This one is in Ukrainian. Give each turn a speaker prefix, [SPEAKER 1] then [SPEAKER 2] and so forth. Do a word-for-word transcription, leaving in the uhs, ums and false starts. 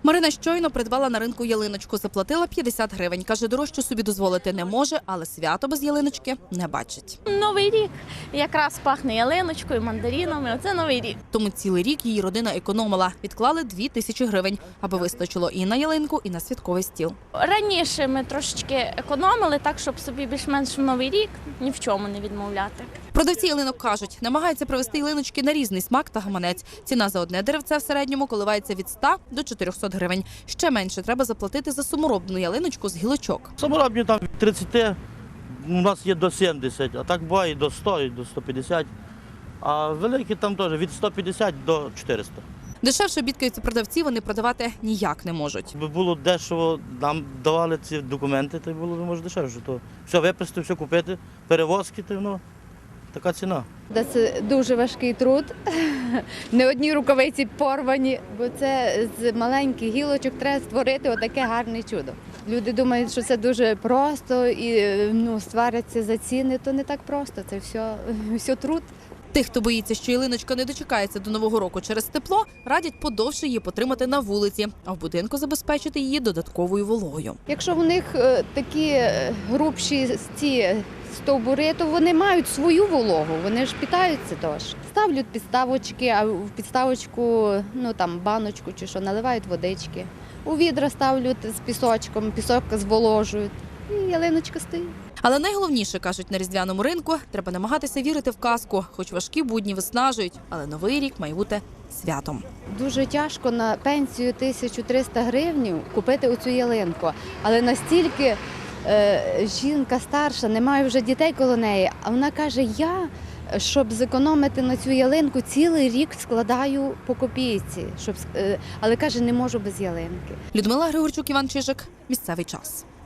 [SPEAKER 1] Марина щойно придбала на ринку ялиночку, заплатила п'ятдесят гривень. Каже, дорожче собі дозволити не може, але свято без ялиночки не бачить.
[SPEAKER 2] Новий рік якраз пахне ялиночкою, мандаринами. Оце новий рік.
[SPEAKER 1] Тому цілий рік її родина економила. Відклали дві тисячі гривень, аби вистачило і на ялинку, і на святковий стіл.
[SPEAKER 2] Раніше ми трошечки економили так, щоб собі більш-менш в новий рік ні в чому не відмовляти.
[SPEAKER 1] Продавці ялинок кажуть, намагаються привезти ялиночки на різний смак та гаманець. Ціна за одне деревце в середньому коливається від ста до чотирьохсот гривень. Ще менше треба заплатити за саморобну ялиночку з гілочок.
[SPEAKER 3] Саморобні там від тридцяти, у нас є до сімдесят, а так буває до ста, і до ста п'ятдесят. А великі там теж від ста п'ятдесят до чотирьохсот.
[SPEAKER 1] Дешевше бідкаються продавці, вони продавати ніяк не можуть.
[SPEAKER 3] Якби було дешево, нам давали ці документи, то й було б може дешевше. То все виписати, все купити, перевозки, то ну, така ціна.
[SPEAKER 4] Це дуже важкий труд. Не одні рукавиці порвані, бо це з маленьких гілочок треба створити отаке гарне чудо. Люди думають, що це дуже просто і ну, сваряться за ціни, то не так просто, це все, все труд.
[SPEAKER 1] Тих, хто боїться, що ялиночка не дочекається до Нового року через тепло, радять подовше її потримати на вулиці, а в будинку забезпечити її додатковою вологою.
[SPEAKER 4] Якщо в них е, такі е, грубші ці стовбури, то вони мають свою вологу, вони ж питаються теж. Ставлять підставочки, а в підставочку, ну там баночку чи що, наливають водички. У відра ставлять з пісочком, пісок зволожують і ялиночка стоїть.
[SPEAKER 1] Але найголовніше, кажуть на різдвяному ринку, треба намагатися вірити в казку. Хоч важкі будні виснажують, але Новий рік має бути святом.
[SPEAKER 4] Дуже тяжко на пенсію тисячу триста гривень купити оцю ялинку, але настільки е, жінка старша, не має вже дітей коло неї, а вона каже, я, щоб зекономити на цю ялинку, цілий рік складаю по копійці, щоб, е, але каже, не можу без ялинки.
[SPEAKER 1] Людмила Григорчук, Іван Чижик. Місцевий час.